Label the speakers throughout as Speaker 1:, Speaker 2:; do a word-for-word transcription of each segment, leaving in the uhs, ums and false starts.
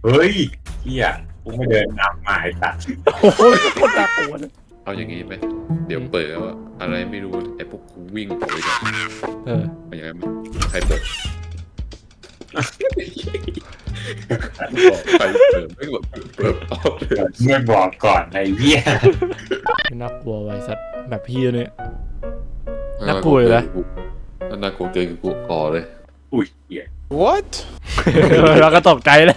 Speaker 1: เฮ้ยเฮียกูไม่เดินนำมาไอ้ตัด
Speaker 2: โอ้โหโคตรน่ากลัวเลย
Speaker 3: เอาอย่างงี้ไหมเดี๋ยวเปิดว่าอะไรไม่รู้ไอ้พวกกูวิ่งออกไปก่อน
Speaker 2: เออ
Speaker 3: เอาอย่างนั้นไหมใครเปิดบอกใครเปิดไม่บอกเปิดออกเลย
Speaker 1: ไม่บอกก่อนไอ้เหี้ย
Speaker 2: น่ากลัวไว้สัตว์แบบพี่เนี่ย น่ากลัวเลยนะ
Speaker 3: ถ้าน่ากลัวเกินกูออกเลย
Speaker 1: อุ้ยเหี้ย
Speaker 4: What?
Speaker 2: เราก็ตกใจเลย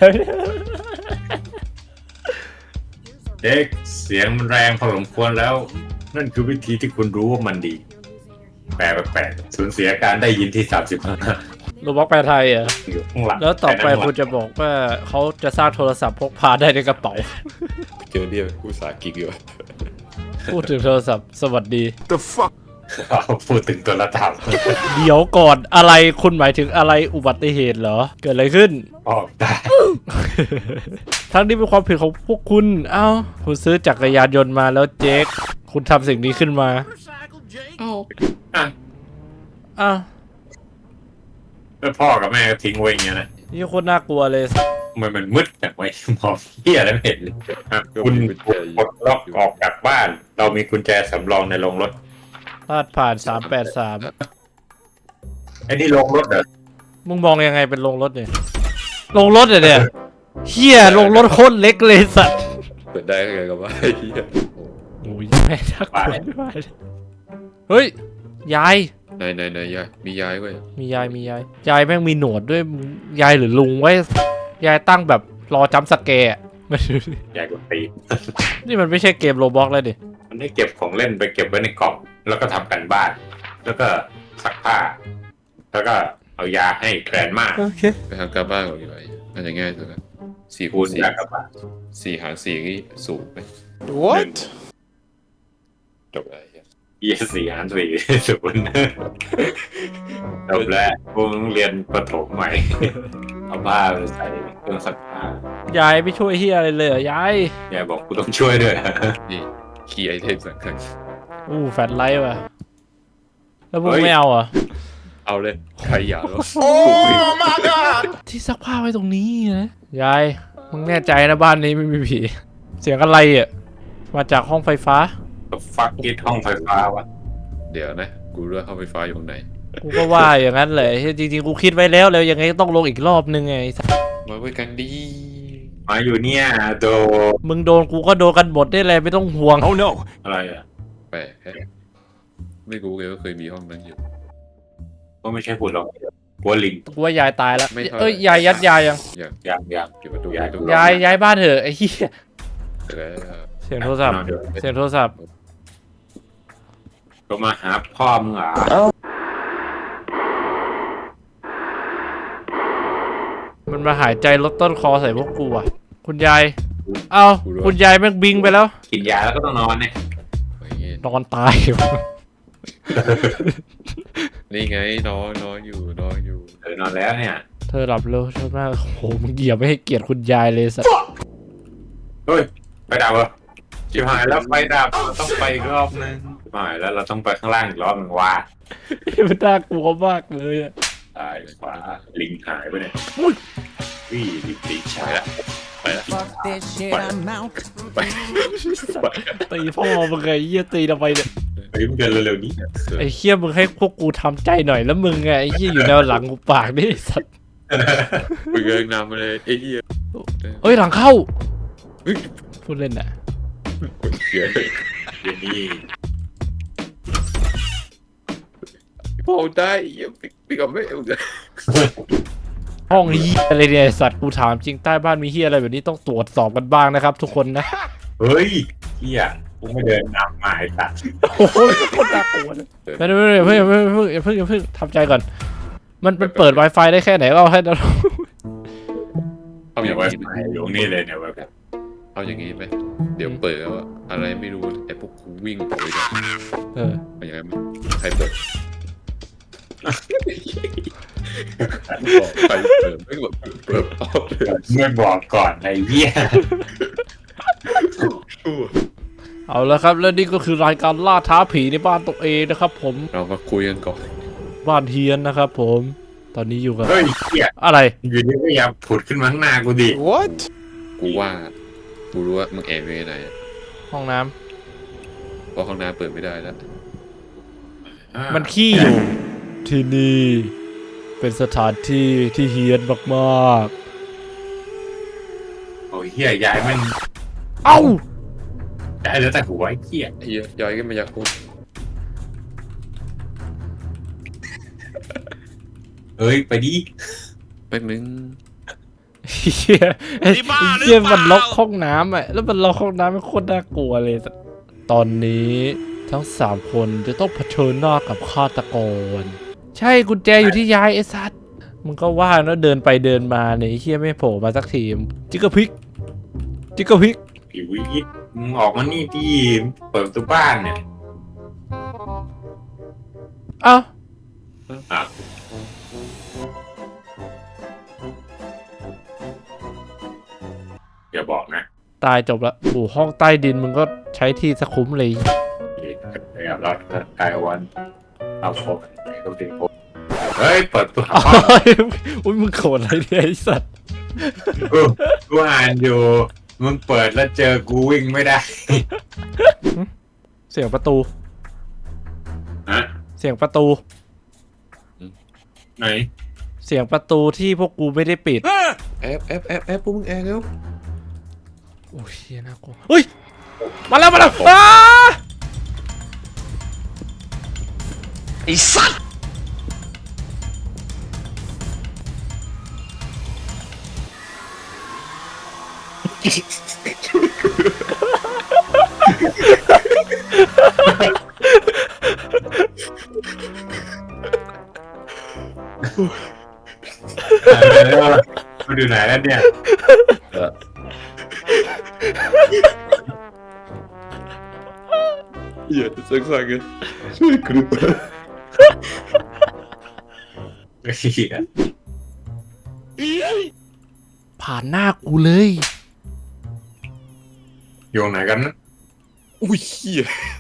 Speaker 1: เด็กเสียงมันแรงพอสมควรแล้ว นั่นคือวิธีที่คุณรู้ว่ามันดี แปลแปลกๆสูญเสียการได้ยินที่สามสิบห้า
Speaker 2: โรบล็อกแปลไทยอ่ะ
Speaker 1: อยู่ข้างหลัง
Speaker 2: แล้วต่อไป
Speaker 1: นั่น
Speaker 2: คุณจะบอกว่าเขาจะสร้างโทรศัพท์พกพาได้ในกระเป๋า
Speaker 3: เจอเรียกกูสากิกอยู่
Speaker 2: พูดถึงโทรศัพท์สวัสดี
Speaker 4: The fuck?
Speaker 1: เอาพูดถึงตัวละตับ
Speaker 2: เดี๋ยวก่อนอะไรคุณหมายถึงอะไรอุบัติเหตุเหรอ เกิดอะไรขึ้น
Speaker 1: ออกได้
Speaker 2: ทั้งนี้เป็นความผิดของพวกคุณ เอ้า คุณซื้อจักรยานยนต์มาแล้วเจ๊กคุณทำสิ่งนี้ขึ้นมา
Speaker 1: อ่ะ
Speaker 2: อ้าว
Speaker 1: แล้วพ่อกับแม่ก็ทิ้งไว้อย่างเงี้ยนะ
Speaker 2: นี่โคตรน่ากลัวเลย
Speaker 1: มันมันมืดแบบไว้มองเหี้ยแล้วไม่เห็นเลยอ่ะคุณปลดล็อกออกจากบ้าน เรามีกุญแจสำรองในโรงรถ
Speaker 2: พลาดผ่านสามแปดสาม
Speaker 1: ไอ้นี่โรงรถเหรอ
Speaker 2: มึงมองยังไงเป็นโรงรถเนี่ยโรงรถเหรอเนี่ยเฮียโรงรถโคตรเล็กเลยสัตว์
Speaker 3: เปิดได้ไงกับว่าไอ้เหี้ย
Speaker 2: โอ้ยแม่น่ากลัวไม่ไหวเลยเฮ้ย ยาย
Speaker 3: ไหนไหนไหนยายมียายเว้ย
Speaker 2: มียายมียาย ยายแม่งมีหนวดด้วย ยายหรือลุงไว้ ยายตั้งแบบรอจัมป์สแกร์อะ ไม่รู้ดิ
Speaker 1: ใหญ่กว่าตี
Speaker 2: นี่มันไม่ใช่เกมโรบล็อกแล้วดิ
Speaker 1: มันได้เก็บของเล่นไปเก็บไว้ในกล่อง แล้วก็ทำกันบ้าน แล้วก็ซักผ้า แล้วก็เอายาให้แกรนมา
Speaker 2: โอเค
Speaker 3: ไปทำการบ้านก่อนดีกว่าน่าจะง่ายสุดละสี่
Speaker 1: คู
Speaker 3: คู
Speaker 1: ณ
Speaker 3: ณสี่
Speaker 1: ยากลับบ้าน
Speaker 3: สี่หารสี่นี่สูงไหม
Speaker 4: What?
Speaker 3: จบอะไรเหี้ย
Speaker 1: ยี่สี่หารสี่ศูนย์จบแล้วพวกมึงเรียนประถมใหม่ เอาผ้าไปใส่เครื่องซักผ้าย
Speaker 2: ายไม่ช่วยเฮียอะไรเลยเหรอยาย
Speaker 1: ยายบอกกูต้องช่วยด้วย
Speaker 3: นี่คีย์ไอเทมสำคัญ
Speaker 2: อู้แฟลชไลท์ว่ะ แล้วมึงไม่เอาเหรอ่ะ
Speaker 3: เอาเลยใครอยากแล้ว
Speaker 4: Oh my god!
Speaker 2: ที่ซักผ้าไว้ตรงนี้นะยาย มึงแน่ใจนะบ้านนี้ไม่มีผี เสียงอะไรอ่ะ มาจากห้องไฟฟ้า
Speaker 1: ฟักกิดห้องไฟฟ้าวะ
Speaker 3: เดี๋ยวนะกูเลือกเข้าไฟฟ้าอยู่ตรงไหน
Speaker 2: กูก็ว่าอย่างนั้นเลยจริงๆ กูคิดไว้แล้วแล้วยังไงก็ต้องลงอีกรอบนึงไงไอ้สัส
Speaker 3: มาไว้กันดี
Speaker 1: มาอยู่เนี่ยโด
Speaker 2: มึงโดนกูก็โดนกันหมดได้เลยไม่ต้องห่วง
Speaker 4: Oh no!
Speaker 1: อะไรอ่ะ
Speaker 3: แปลกแฮะไม่รู้เลยว่าเคยมีห้องนั้นอยู่
Speaker 1: ก็ไม่ใช่หุ่นหรอกหัวลิง
Speaker 2: กูว่ายายตายแล้ว
Speaker 3: ไม่เท่าไหร่
Speaker 2: เอ้ยยายยัดยายยัง
Speaker 3: อย่าง
Speaker 1: ยางยาง
Speaker 3: เก็บประตู
Speaker 1: ยาย
Speaker 3: ประตู
Speaker 2: ยายย้ายบ้านเถอะไอ้เหี้ย
Speaker 3: เสร็จแล้ว
Speaker 2: เสียงโทรศัพท์
Speaker 1: นอนอยู่
Speaker 2: เสียงโทรศัพท์
Speaker 1: ก็มาหาพ่อมึงเหรอ
Speaker 2: มันมาหายใจลดต้นคอใส่พวกกูอ่ะ คุณยาย เอ้าคุณยายแม่งบิงไปแล้ว
Speaker 1: กินยาแล้วก็ต้องนอนเนี่ย
Speaker 3: อย่างงี้
Speaker 2: นอนตาย
Speaker 3: นี่ไงนอนนอนอยู่นอนอยู่
Speaker 1: เออนอนแล้วเนี่ย
Speaker 2: เธอหลับเร็วเธอมากโอ้โหมึงเหยียบไม่ให้เกียรติคุณยายเลยสัส
Speaker 1: เฮ้ยไฟดับเหรอชิบหายแล้วไฟดับเราต้องไปอีกรอบนึงชิบหายแล้วเราต้องไปข้างล่างอีกรอบนึงว่า
Speaker 2: มันน่ากลัวมากเลยอะ
Speaker 1: ตายขวาลิงหายไปเนี่ยวิ่งลิงตีชา
Speaker 3: ไปละ
Speaker 5: Fuck this shit, I'm out.
Speaker 3: ไปไป
Speaker 2: ตีพ่อมึงไงเหี้ยตีทำไมเนี่ย
Speaker 1: เฮ้ยมึงเดินเร็วๆนี้
Speaker 2: ไอ้เหี้ยมึงให้พวกกูทำใจหน่อยแล้วมึงไงไอ้เหี้ยอยู่แนวหลังกูปากนี่สัส
Speaker 3: มึงเอิงนำมาเลยไอ้เหี้ย
Speaker 2: เอ้ยหลังเข้า
Speaker 3: เฮ้ย
Speaker 2: พูดเล่นน่ะ
Speaker 3: เสีย
Speaker 1: เดี๋ยวนี้
Speaker 3: พอได้เหี้ยพี่กับไม่เอาเลย
Speaker 2: ห้องเหี้ยอะไรเนี่ยไอ้สัตว์กูถามจริงใต้บ้านมีเหี้ยอะไรแบบนี้ต้องตรวจสอบกันบ้างนะครับ ทุกคนนะ
Speaker 1: เฮ้ยเฮียกูไม่เดินนำมาไอ้ตัด
Speaker 2: โอ้โหโคตรน่ากลัวเลยไม่ไม่ไม่เพิ่งเพิ่งเพิ่งเพิ่งเพิ่งทำใจก่อน มันมันเปิด Wi-Fi ได้แค่ไหนก็เอาให้เรา
Speaker 3: เอาอ
Speaker 1: เนี่ย
Speaker 3: ย่าง
Speaker 1: ไว้
Speaker 3: งี้
Speaker 1: อยู่ตรงนี้เลยเนี่ยไว้แบบ
Speaker 3: เอาอย่างงี้ไหมเดี๋ยวเปิดว่าอะไรไม่รู้ไอ้พวกกูวิ่งออกไปก่อน
Speaker 2: เออ
Speaker 3: เอาอย่างนั้นไหมใครเปิดบอกใครเปิดไม่บอกเปิดออกเลย
Speaker 1: ไม่บอกก่อนไอ้เหี้ย
Speaker 2: เอาละครับแล้วนี่ก็คือรายการล่าท้าผีในบ้านตัวเองนะครับ ผม
Speaker 3: เรามาคุยกันก่อน
Speaker 2: บ้านเทียนนะครับ ผมตอนนี้อยู่กับ
Speaker 1: เฮ้ยเหี้ย
Speaker 2: อะไร
Speaker 1: อยู่ดีก็อย่าผุดขึ้นมาข้างหน้ากูดิ
Speaker 4: What
Speaker 3: กูว่ากูรู้ว่ามึงแอบอยู่ไหนอะ
Speaker 2: ห้องน้ำ
Speaker 3: เพราะห้องน้ำเปิดไม่ได้แล้ว
Speaker 1: อ่า
Speaker 2: มันขี้อยู่ ที่นี่เป็นสถานที่ที่เฮี้ยนมาก
Speaker 1: โอ้ยเหี้ยยายแม่ง
Speaker 2: ๆ เอ้า
Speaker 1: ยายเหลือแต่หัวไอ้เหี้ย
Speaker 3: ไอ้เหี้ยย้อยก็มาจากกู
Speaker 1: เอ้ยไปดิ
Speaker 3: แป๊บนึง
Speaker 2: เฮียไอ้เฮียมันล็อกห้องน้ำอ่ะ แล้วมันล็อกห้องน้ำมันโคตรน่ากลัวเลย ตอนนี้ทั้งสามคนจะต้องเผชิญหน้ากับฆาตกร ใช่กุญแจอยู่ที่ยายไอ้สัตว์มึงก็ว่าแล้วเดินไปเดินมาเนี่ยไอ้เฮียไม่โผล่มาสักทีจิกกะพริก จิกกะพริก
Speaker 1: ผิวยิดมึงออกมานี่ดิเปิดประตูบ้านเนี่ย
Speaker 2: เอ้า
Speaker 1: อ่ะอย่าบอกนะ
Speaker 2: ตายจบละโอ้ห้องใต้ดินมึงก็ใช้ที่สะคุ้มเลย
Speaker 1: เดี๋ยวรอดกายวันเอาโฟกเขาดึงโฟกเฮ้ยเปิดตัวหา
Speaker 2: โอ้ยอุ้ยมึงโกรธอะไรเนี่ยไอ้สัตว์
Speaker 1: กูกูอ่านอยู่มึงเปิดแล้วเจอกูวิ่งไม่ได้
Speaker 2: เสียงประตู
Speaker 1: ฮะ
Speaker 2: เสียงประตู
Speaker 1: ไหน
Speaker 2: เสียงประตูที่พวกกูไม่ได้ปิด
Speaker 3: แอบแอบแอบแอบพวกมึงแอบแล้ว
Speaker 2: โอ้ยเหี้ยน่ากลัวเฮ้ย มาแล้วมาแล้วอ้า
Speaker 4: ไอ้สัตว์
Speaker 1: มาดูไหนแล้วเนี่ย
Speaker 3: เหี้ยสักสักกันช่วยกูด้วย
Speaker 1: เหี้ย
Speaker 2: ผ่านหน้ากูเลย
Speaker 1: อยู่ไหนกันนะ
Speaker 3: อุ้ยเหี้ย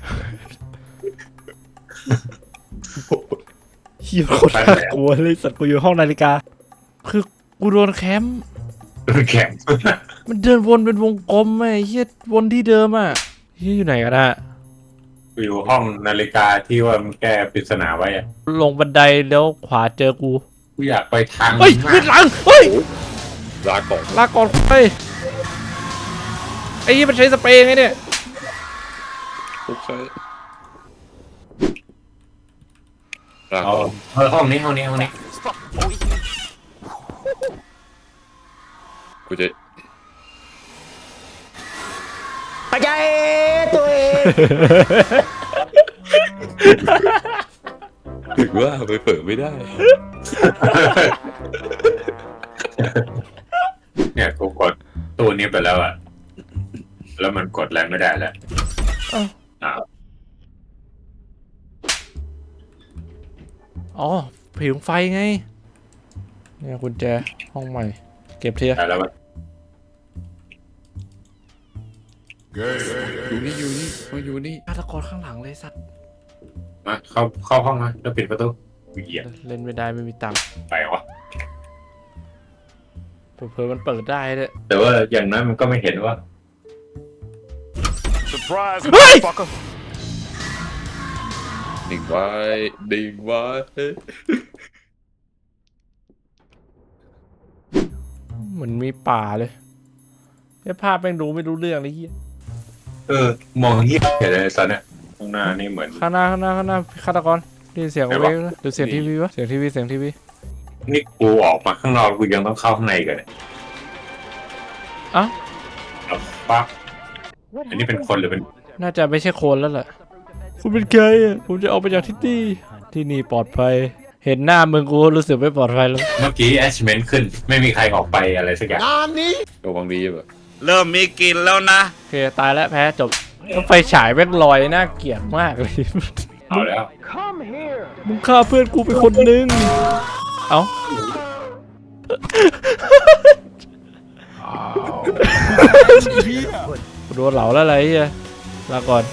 Speaker 2: เฮียโคตรน่ากลัวเลยสัตว์กูอยู่ห้องนาฬิกา คือกูโดนแคมป์
Speaker 1: โดนแข็ง
Speaker 2: มันเดินวนเป็นวงกลมไอ้เฮียวนที่เดิมอ่ะเฮียอยู่ไหนกันอะ
Speaker 1: กูอยู่ห้องนาฬิกาที่ว่ามึงแก้ปริศนาไว้อะ
Speaker 2: ลงบันไดแล้วขวาเจอกู
Speaker 1: กูอยากไปทาง
Speaker 2: เฮ้ย
Speaker 1: มา
Speaker 2: ขึ้นหลัง เฮ้ย
Speaker 3: ลาก่อน
Speaker 2: ลาก่อนไปไอ้ยี่มันใช้สเปรย์ไงเนี่ย
Speaker 3: โอเคลา
Speaker 1: เอา
Speaker 3: ก่อน
Speaker 1: เออห้องนี้ห้องนี้ห้องนี้
Speaker 3: กูจะ
Speaker 4: ปัจจัยตัวเอง
Speaker 3: ถึงว่าไปเปิดไม่ได้
Speaker 1: เนี่ยกูกดตู้นี้ไปแล้วอะแล้วมันกดอะไรไม่ได้แล้ว
Speaker 2: อ้าว
Speaker 1: อ้าว
Speaker 2: อ๋อผิงไฟไง เนี่ยกุญแจห้องใหม่ เก็บเทีย
Speaker 1: ได้แล้วมัน
Speaker 3: อยู่นี่อยู่นี่มาอยู่นี่
Speaker 2: ฆาตกรข้างหลังเลยสัตว์
Speaker 1: มาเข้าเข้าห้องมาแล้วปิดประตูเหยียบ
Speaker 2: เล่นไม่ได้ไม่มีตังค์
Speaker 1: ไปวะ
Speaker 2: เผื่อๆมันเปิดได้เลย
Speaker 1: แต่ว่าอย่างนั้นมันก็ไม่เห็นว่า
Speaker 4: surprise
Speaker 2: เฮ้ย
Speaker 4: fucker
Speaker 3: ดิ่งไว้ดิ่งไว้
Speaker 2: เหมือนมีป่าเลยไอ้ภาพแม่งดูไม่รู้เรื่องเลยเฮีย
Speaker 1: เออ มองเหี้ยเห็นอะไรตอนเนี้ยข้างหน้านี่เหมือน
Speaker 2: ข้างหน้าข้างหน้าข้างหน้าฆาตกรได้ยินเสียง
Speaker 1: ไหน
Speaker 2: เว
Speaker 1: วะ
Speaker 2: กหรือเสียงทีวีวะเสียงทีวีเสียงทีวี
Speaker 1: นี่กูออกมาข้างนอกกูยังต้องเข้าข้างในกันเนี่ย
Speaker 2: อ่ะ
Speaker 1: เอาปั๊บอันนี้เป็นคนหรือเป็น
Speaker 2: น่าจะไม่ใช่โคนแล้วแหละคุณเป็นใครอ่ะผมจะออกไปจากที่นี่ที่นี่ปลอดภัย เห็นหน้ามึงกูรู้สึกไม่ปลอดภัยแล้ว
Speaker 1: เมื่อกี้ attachment ขึ้น ไม่มีใครออกไปอะไรสักอย่าง
Speaker 4: งานนี้
Speaker 3: ระวังดีแบบ
Speaker 5: เริ่มมีกลิ่นแล้วนะ
Speaker 2: โอเคตายแล้วแพ้จบแล้วไฟฉายแม่งลอยน่าเกลียดมากเลย
Speaker 1: เอาแล้ว
Speaker 2: มึงฆ่าเพื่อนกูไปคนนึงเอ้ากูโดนเหลาแล้วอะไรเฮียลาก่อน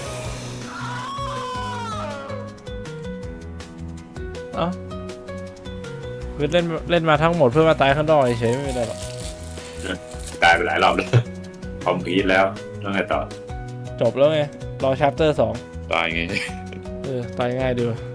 Speaker 2: เอ้าคือเล่นเล่นมาทั้งหมดเพื่อมาตายข้างนอกเฉยๆไม่ได้หรอก
Speaker 1: ตายไปหลายรอบแล้วคอมพีทแล้วแล้วไงต่อ
Speaker 2: จบแล้วไงรอชาร์เตอร์สอง
Speaker 3: ตายไง
Speaker 2: เออตายง่ายดีว่ะ